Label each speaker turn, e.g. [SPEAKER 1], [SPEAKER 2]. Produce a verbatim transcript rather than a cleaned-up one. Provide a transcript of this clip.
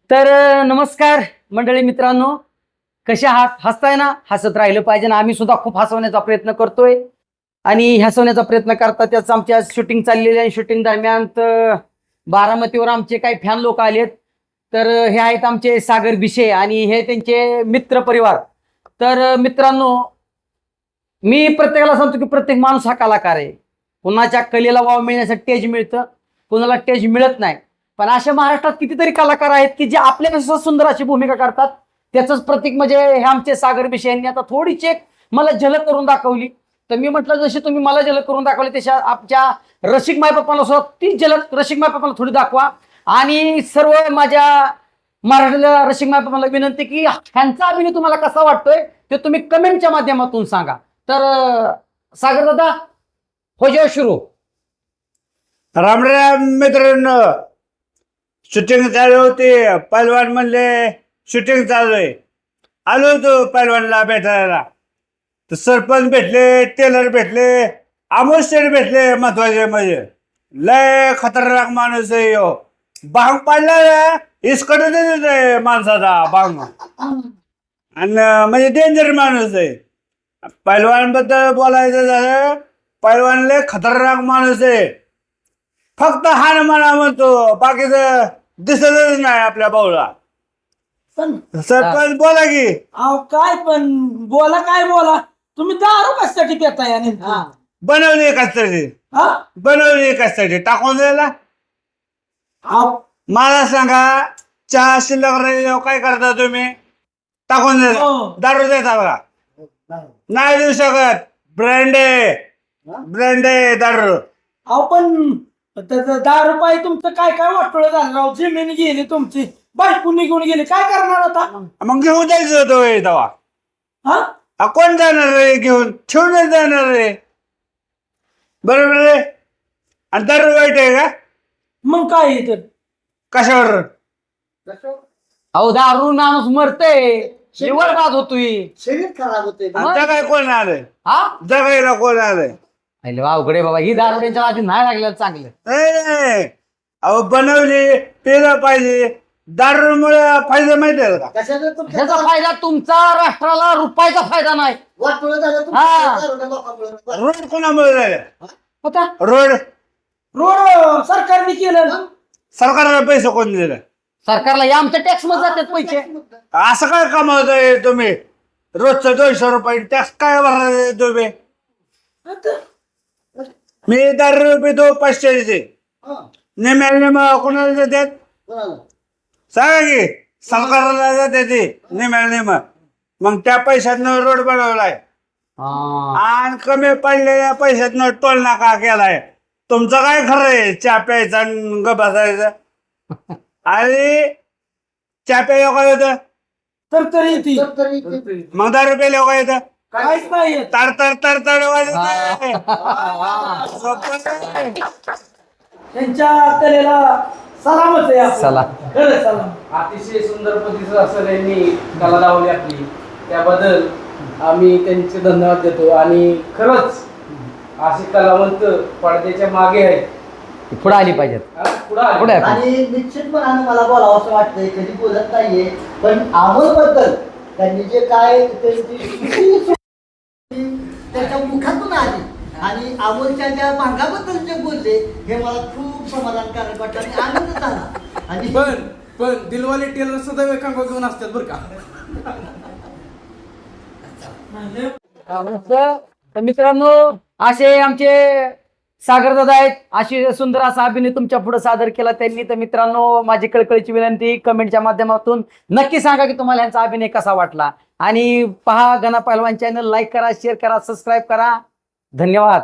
[SPEAKER 1] तर नमस्कार मंडळी मित्रांनो, कशा आहात? हसताय ना? हसत राहिलं पाहिजे ना. आम्ही सुद्धा खूप हसवण्याचा प्रयत्न करतोय आणि हसवण्याचा प्रयत्न करता त्याच आमच्या शूटिंग चाललेली आहे. शूटिंग दरम्यान बारामतीवर आमचे काही फॅन लोक आलेत. तर हे आहेत आमचे सागर भिशे आणि हे त्यांचे मित्र परिवार. तर मित्रांनो, मी प्रत्येकाला सांगतो की प्रत्येक माणूस हा कलाकार आहे. कुणाच्या कलेला वाव मिळण्यासाठी स्टेज मिळतं, कुणाला स्टेज मिळत नाही. पण अशा महाराष्ट्रात कितीतरी कलाकार आहेत की जे आपल्यापेक्षा सुंदर अशी भूमिका करतात. त्याचंच प्रतीक म्हणजे हे आमचे सागर भिशे यांनी आता थोडीशी एक मला झलक करून दाखवली. तर मी म्हटलं जशी तुम्ही मला झलक करून दाखवली तशा आमच्या रसिक मायबापांना सुद्धा ती झलक रसिक मायबापांना थोडी दाखवा. आणि सर्व माझ्या महाराष्ट्रातल्या रसिक मायबापांना विनंती की ह्यांचा अभिनय तुम्हाला कसा वाटतोय ते तुम्ही कमेंटच्या माध्यमातून सांगा. तर सागर दादा हो जाओ सुरू.
[SPEAKER 2] राम राम मित्रांनो, शूटिंग चालू होती. पैलवान म्हणले शूटिंग चालू आहे. आलो होतो पैलवानला भेटायला. तर सरपंच भेटले, टेलर भेटले, अमोल शेठ भेटले. महत्वाचे म्हणजे लय खतरनाक माणूस आहे यो. बांग पाडला ना इसकडे देत माणसाचा बांग, आणि म्हणजे डेंजर माणूस आहे. पैलवान बद्दल बोलायचं झालं, पैलवान लय खतरनाक माणूस आहे. फक्त हान म्हणा म्हणतो, बाकीचं दिसतच नाही आपल्या भाऊला.
[SPEAKER 3] पण
[SPEAKER 2] सरपंच बोला की.
[SPEAKER 3] अहो काय पण बोला काय बोला, तुम्ही दारू कशासाठी पिताय? आणि
[SPEAKER 2] बनवली कशासाठी?
[SPEAKER 3] हा?
[SPEAKER 2] बनवली कशासाठी? टाकून द्यायला?
[SPEAKER 3] अहो,
[SPEAKER 2] मला सांगा, चहा शिल्लक राहिल्यावर काय करता तुम्ही? टाकून द्यायला.
[SPEAKER 3] हो.
[SPEAKER 2] दारू देता बघा? नाही देऊ शकत. ब्रँड आहे, ब्रँड आहे दारू.
[SPEAKER 3] अहो पण त्याचं दारू पायी तुमचं काय काय वाटोळं झालं राव. जमीन गेली तुमची, बायको निघून गेली, काय करणार आता?
[SPEAKER 2] मग घेऊन जायचं होतं होय तेव्हा.
[SPEAKER 3] हा?
[SPEAKER 2] आ, कोण जाणार आहे घेऊन? ठेवून जाणार आहे. बरोबर आहे. आणि दारू वाईट आहे का?
[SPEAKER 3] मग काय आहे तर?
[SPEAKER 2] कशावर?
[SPEAKER 1] अहो दारू माणूस मरतय, निवड बाद होतोय.
[SPEAKER 3] शरीर खराब होते.
[SPEAKER 2] आणि जगाय कोण आलंय?
[SPEAKER 1] हा
[SPEAKER 2] जगायला कोण आलंय?
[SPEAKER 1] अरे अवघडे बाबा, ही दारू त्यांच्या आधी नाही लागलेलं चांगलं.
[SPEAKER 2] नाही नाही. अहो बनवली, पेलं पाहिजे. दारूमुळे फायदा माहिती आहे का?
[SPEAKER 1] ह्याचा फायदा तुमचा राष्ट्राला रुपयाचा फायदा नाही. हा.
[SPEAKER 2] रोड कोणामुळे झाले?
[SPEAKER 1] होता
[SPEAKER 2] रोड
[SPEAKER 3] रोड सरकारने केलं ना.
[SPEAKER 2] सरकारला पैसे कोण दिले?
[SPEAKER 1] सरकारला या आमच्या टॅक्स मध्ये जातात पैसे.
[SPEAKER 2] असं काय कमावताय तुम्ही? रोजचं दोनशे रुपये टॅक्स काय भरणार तुम्ही?
[SPEAKER 3] आता
[SPEAKER 2] मी दर रुपये तो पाचशेचे नेम्या नेम कोणाला देतात? सांगा की. सरकारला जाते ते नेम्या नेम. मग त्या पैशातनं रोड बनवलाय
[SPEAKER 1] हा.
[SPEAKER 2] आणि कमी पडलेल्या पैशातनं टोल नाका केलाय. तुमचं काय खरं आहे? चहा प्यायचा आणि ग बसायचं. आणि चहा प्यायला काय होतं?
[SPEAKER 3] तर तरी ती
[SPEAKER 2] मग दारू प्यायला काय येतं?
[SPEAKER 3] काहीच नाही येत.
[SPEAKER 2] तर तर तर तर वाजत
[SPEAKER 3] त्यांच्या कलेला सलामच आहे आपलं.
[SPEAKER 1] सलाम.
[SPEAKER 3] खरं सलाम.
[SPEAKER 4] अतिशय सुंदर पद्धतीचं असं त्यांनी कला लावली आपली, त्याबद्दल आम्ही त्यांचे धन्यवाद देतो. आणि खरंच असे कलावंत पडद्याच्या मागे आहेत,
[SPEAKER 1] पुढे आली पाहिजेत.
[SPEAKER 4] पुढे आले.
[SPEAKER 1] पुढे
[SPEAKER 5] आणि निश्चितपणाने मला बोलावं असं वाटतंय, कधी बोलत नाहीये, पण अमोल बद्दल त्यांनी जे काय त्यांची त्याच्या मुखातून आली आणि अमोलच्या ज्या भागाबद्दल जे बोलले हे मला खूप समाधानकारक वाटलं आणि आनंद झाला. आणि
[SPEAKER 4] पण पण दिलवाले टेलर सुद्धा एकांक घेऊन असतात बरं का.
[SPEAKER 1] तर मित्रांनो, असे आमचे सागर दादा आहेत. अशी सुंदर असा अभिनय तुमच्या पुढे सादर केला त्यांनी. तर मित्रांनो, माझी कळकळीची विनंती, कमेंटच्या माध्यमातून नक्की सांगा की तुम्हाला यांचा अभिनय कसा वाटला. आणि पहा गणा पहलवान चॅनल, लाईक करा, शेअर करा, सबस्क्राईब करा. धन्यवाद.